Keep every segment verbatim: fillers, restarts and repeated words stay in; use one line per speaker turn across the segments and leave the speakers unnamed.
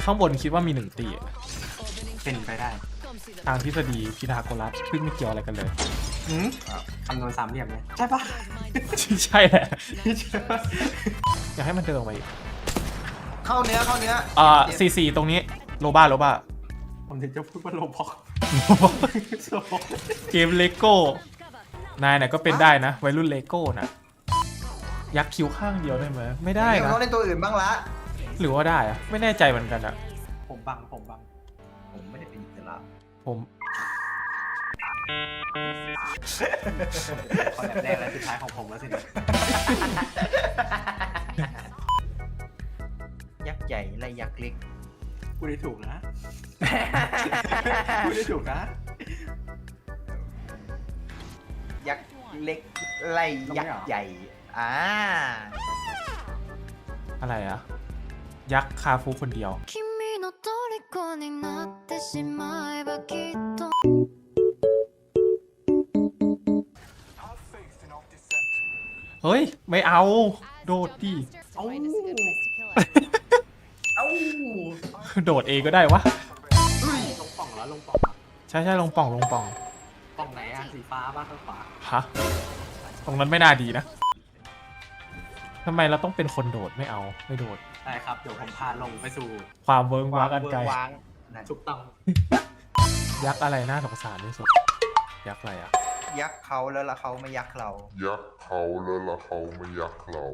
ข้างบนคิดว่ามีหนึ่งตี
เป็นไปได้
ทางทฤษฎีพีทาโกรัสซึ่งไม่เกี่ยวอะไรกันเลย
หืมคำนวณสามเหลี่ยมเลยใช่ปะ
ใช่แหละอยากให้มันเดินออกมาอีก
เข้าเนื้อเข้าเนื้อ
อ่าซีซีตรงนี้โลบ้าโลบ้า
ผมถึงจะพูดว่าโลบอก
เกมเลโก้นายน่ะก็เป็นได้นะวัยรุ่นเลโก้น่ะยักคิ้วข้างเดียวได้ไหมไม่ได้
เดี๋ยว
นะ
เขาเล่นตัวอื่นบ้างละ
หรือว่าได้อะไม่แน่ใจเหมือนกันอะ
ผมบังผมบัง
ผมไม่ได้เป็นอิสระ
ผม
คอนแบบแรกและสุดท้ายของผมแล้วสินะ
ยักษ์ใหญ่และยักษ์เล็ก
พูดได้ถูกนะพูดได้ถูกนะ
ยักษ์เล็กไล่ยักษ์ใหญ่อ่า
อะไรอะยักษ์คาฟูคนเดียว
君の虜になってしまえばきっと
เฮ้ยไม่เอาโดดดิ
เอ้า
เอ้า
โดดเองก็ได้วะ
เฮ้ยลงป่องแล้วลงป่องแล้ว
ใช่ใช่ลงป่องลงป่อง
ป่องไหนอะสีฟ้าบ้างข้างขวา
ฮะตรงนั้นไม่น่าดีนะทำไมเราต้องเป็นคนโดดไม่เอาไม่โดด
ได้ครับเดี๋ยวผมพาลงไปสู่
ความเวิร์กว้างอันไกล
วางนั่น
ถูกต้อง
ยักษ์อะไรน่าสงสารที่สุดยักษ์อะไรอะ
ยักษ์เขาแล้วละเขาไม่ยักษ์เรา
ยักษ์เขาแล้วละเขาไม่ยักษ์เรา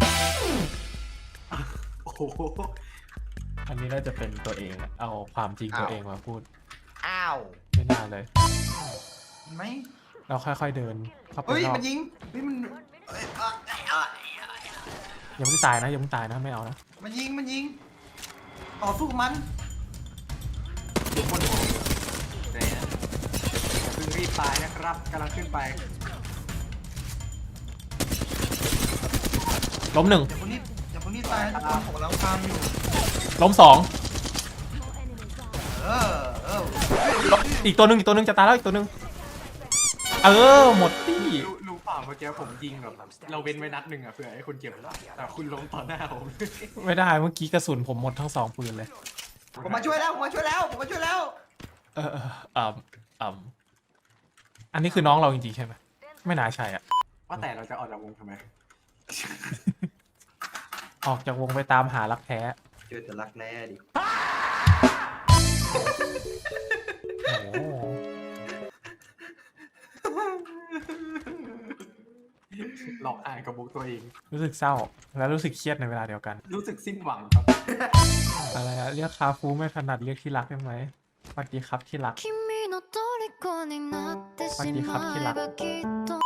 โอ้โห
อันนี้น่าจะเป็นตัวเองอะเอาความจริงตัวเองมาพูด
อ้าว
ไม่น่าเลย
เห็นไหม
เราค่อยๆเดินเข้าไป
เฮ้ย
รอบ
มันยิงเฮ้ยมันเอ้ยอ่ะอ่ะอ่ะ
ยังไม่ตายนะยังไม่ตายนะไม่เอานะ
มันยิงมันยิงต่อสู้กับมัน
ทุกคนโหเลยนะอย่าเพิ่งรีบตายนะครับกำลังขึ้นไป
ล้มหนึ่ง
อย่าเพิ่งรีบอย่าเพิ่งรีบตายนะทุกคนผมกำลังตามอยู่
ล้มสอง
เออเออ
อีกตัวหนึ่งอีกตัวหนึ่งจะตายแล้วอีกตัวหนึ่งเออหมดตี้
รู้รู้เปล่าเมื่อกี้ผมยิงแบบเราเว้นไว้นัดหนึ่งอะเผื่อให้คุณเก็บแต่คุณลงต่อหน้าผม
ไม่ได้เมื่อกี้กระสุนผมหมดทั้งสองปืนเลย
ผมมาช่วยแล้วผมมาช่วยแล้วผมมาช่วยแล้ว
เออเออเออเอออันนี้คือน้องเราจริงๆใช่ไหมไม่น่าใช่อ่ะ
ว่าแต่เราจะออกจากวงทำไม
ออกจากวงไปตามหารักแท้
เจอแต่รักแร้ดิ
โอ้โห
หลอกอ่านกับบุกตัวเอง
รู้สึกเศร้าและรู้สึกเครียดในเวลาเดียวกัน
รู้สึกสิ้นหวังครับ
อะไรอะเรียกคาฟูไม่ถนัดเรียกที่รักได้ไหมสวัสดีครับที่รัก
君の虜になってしまえばきっと